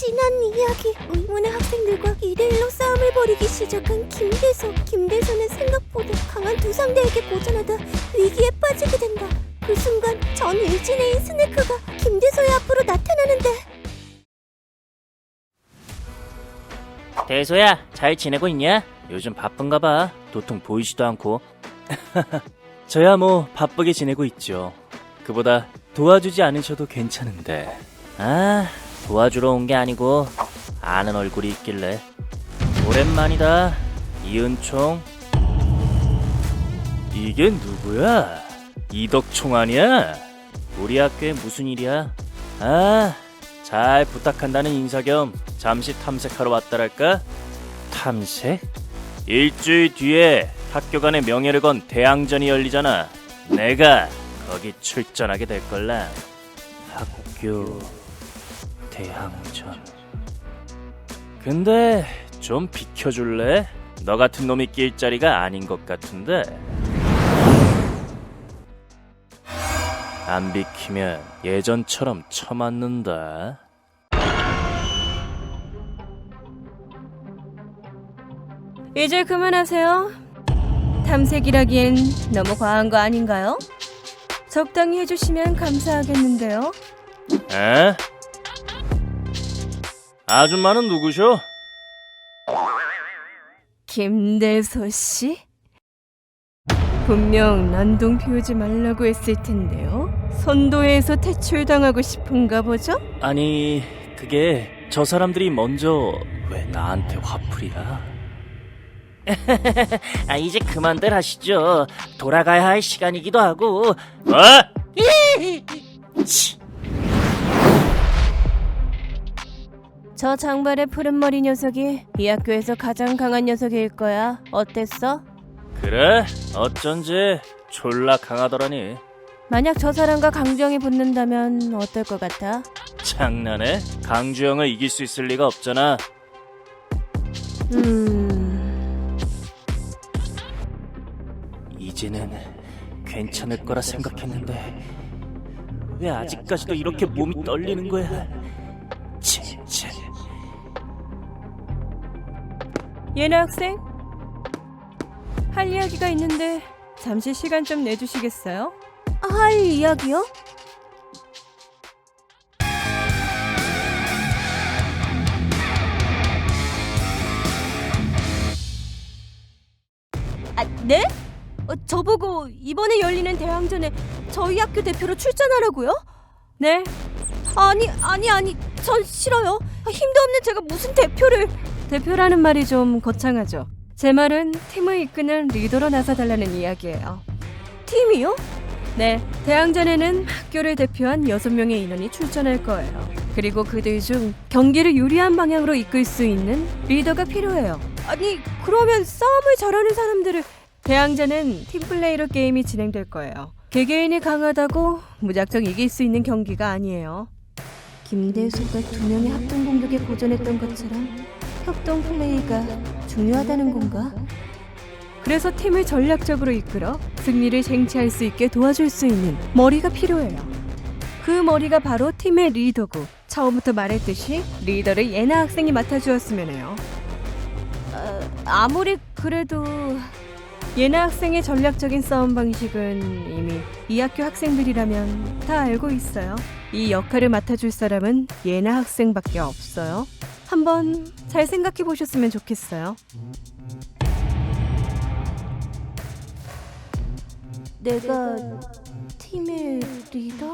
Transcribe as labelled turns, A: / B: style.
A: 지난 이야기. 의문의 학생들과 2대1로 싸움을 벌이기 시작한 김대소. 김대소는 생각보다 강한 두 상대에게 고전하다 위기에 빠지게 된다. 그 순간 전 일진애인 스네크가 김대소의 앞으로 나타나는데,
B: 대소야, 잘 지내고 있냐? 요즘 바쁜가 봐. 도통 보이지도 않고. 저야 뭐 바쁘게 지내고 있죠. 그보다 도와주지 않으셔도 괜찮은데. 아, 도와주러 온 게 아니고 아는 얼굴이 있길래. 오랜만이다, 이은총. 이게 누구야? 이덕총 아니야? 우리 학교에 무슨 일이야? 아, 잘 부탁한다는 인사 겸 잠시 탐색하러 왔다랄까? 탐색? 일주일 뒤에 학교 간의 명예를 건 대항전이 열리잖아. 내가 거기 출전하게 될걸라. 학교 대항전. 근데 좀 비켜줄래? 너 같은 놈이 낄 자리가 아닌 것 같은데. 안 비키면 예전처럼 쳐맞는다.
C: 이제 그만하세요. 탐색이라기엔 너무 과한 거 아닌가요? 적당히 해주시면 감사하겠는데요.
B: 에? 아줌마는 누구셔?
C: 김대소 씨? 분명 난동 피우지 말라고 했을 텐데요. 선도에서 퇴출당하고 싶은가 보죠?
B: 아니, 그게 저 사람들이 먼저 왜 나한테 화풀이야? 아, 이제 그만들 하시죠. 돌아가야 할 시간이기도 하고. 치.
C: 저 장발의 푸른 머리 녀석이 이 학교에서 가장 강한 녀석일 거야. 어땠어?
B: 그래? 어쩐지 졸라 강하더라니.
C: 만약 저 사람과 강주영이 붙는다면 어떨 것 같아?
B: 장난해? 강주영을 이길 수 있을 리가 없잖아. 이제는 괜찮을 거라 생각했는데 왜 아직까지도 이렇게 몸이 떨리는 거야? 진짜.
C: 예나 학생? 할 이야기가 있는데 잠시 시간 좀 내주시겠어요?
A: 할 이야기요?
C: 아, 네? 저보고 이번에 열리는 대항전에 저희 학교 대표로 출전하라고요? 네. 아니, 전 싫어요. 힘도 없는 제가 무슨 대표를... 대표라는 말이 좀 거창하죠. 제 말은 팀을 이끄는 리더로 나서달라는 이야기예요. 팀이요? 네, 대항전에는 학교를 대표한 6명의 인원이 출전할 거예요. 그리고 그들 중 경기를 유리한 방향으로 이끌 수 있는 리더가 필요해요. 아니, 그러면 싸움을 잘하는 사람들을... 대항전은 팀플레이로 게임이 진행될 거예요. 개개인이 강하다고 무작정 이길 수 있는 경기가 아니에요. 김대소가 2명의 합동 공격에 고전했던 것처럼 협동 플레이가 중요하다는 건가? 그래서 팀을 전략적으로 이끌어 승리를 쟁취할 수 있게 도와줄 수 있는 머리가 필요해요. 그 머리가 바로 팀의 리더고, 처음부터 말했듯이 리더를 예나 학생이 맡아주었으면 해요. 아무리 그래도 예나 학생의 전략적인 싸움 방식은 이미 이 학교 학생들이라면 다 알고 있어요. 이 역할을 맡아줄 사람은 예나 학생밖에 없어요. 한번 잘 생각해 보셨으면 좋겠어요.
A: 내가 팀의 리더?